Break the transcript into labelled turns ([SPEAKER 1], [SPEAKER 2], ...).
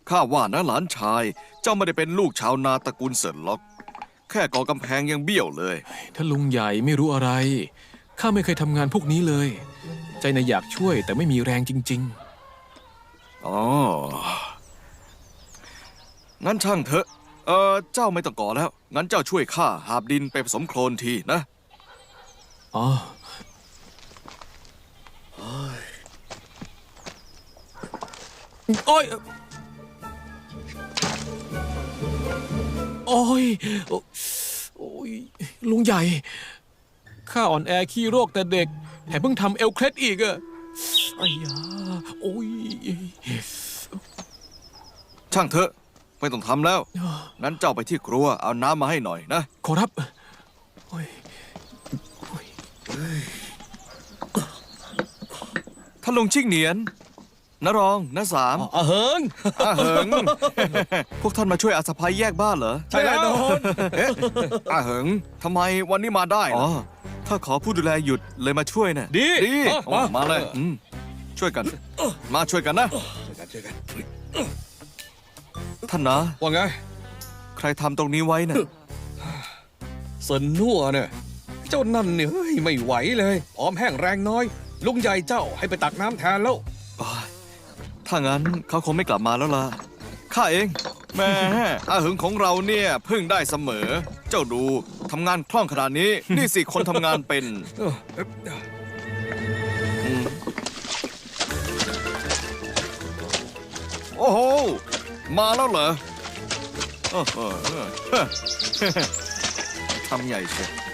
[SPEAKER 1] ข้าว่านะหลานชายเจ้าไม่ได้เป็นลูกชาวนาตระกูลเสินล็อกแค่ก่อกำแพงยังเบี้ยวเลย
[SPEAKER 2] ถ้าลุงใหญ่ไม่รู้อะไรข้าไม่เคยทำงานพวกนี้เลย ใจน่ะอยากช่วยแต่ไม่มีแรงจริง
[SPEAKER 1] อ๋อ งั้นช่างเถอะ เจ้าไม่ต้องก่อแล้ว งั้นเจ้าช่วยข้าหาบดินไปผสมโคลนทีนะ
[SPEAKER 2] ๆอ๋อโอ้ยโอ้ยโอ้ยลุงใหญ่ข้าอ่อนแอขี้โรคแต่เด็กแถมเพิ่งทำเอวเคล็ดอีกอะไอ้ยาโอ้ย
[SPEAKER 1] ช่างเถอะ ไม่ต้องทำแล้ว งั้นเจ้าไปที่ครัวเอาน้ำมาให้หน่อยนะ
[SPEAKER 2] ขอรับโอ้ยโอ้ย
[SPEAKER 1] ท่านลุงชิ่งเหนียนน้ารองน้าสาม
[SPEAKER 3] เหิง
[SPEAKER 1] เหิง พวกท่านมาช่วยอาสะพายแยกบ้านเหรอ
[SPEAKER 3] ใช่แล้ว
[SPEAKER 1] เอ๊ะเหิงทำไมวันนี้มาได้อ๋อถ้าขอผู้ดูแลหยุดเลยมาช่วยนะ
[SPEAKER 3] ดี
[SPEAKER 1] มาเลยช่วยกัน มาช่วยกันนะ
[SPEAKER 3] ช่วยกัน
[SPEAKER 1] ท่านนะ
[SPEAKER 3] ว่าไง
[SPEAKER 1] ใครทำตรงนี้ไว้น่ะ
[SPEAKER 3] เซินนัวเนี่ยเจ้านั่นเนี่ยเฮ้ยไม่ไหวเลยผอมแห้งแรงน้อย ลุงใหญ่เจ้าให้ไปตักน้ำแทนแล้ว
[SPEAKER 1] ถ้างั้นเขาคงไม่กลับมาแล้วล่ะ ข้าเองแหม่อาหึงของเราเนี่ยพึ่งได้เสมอ เจ้าดูทำงานคล่องขนาดนี้ นี่สิคนทำงานเป็น โอ้โห มาแล้วเหรอโอ้โหทำใหญ่เชียว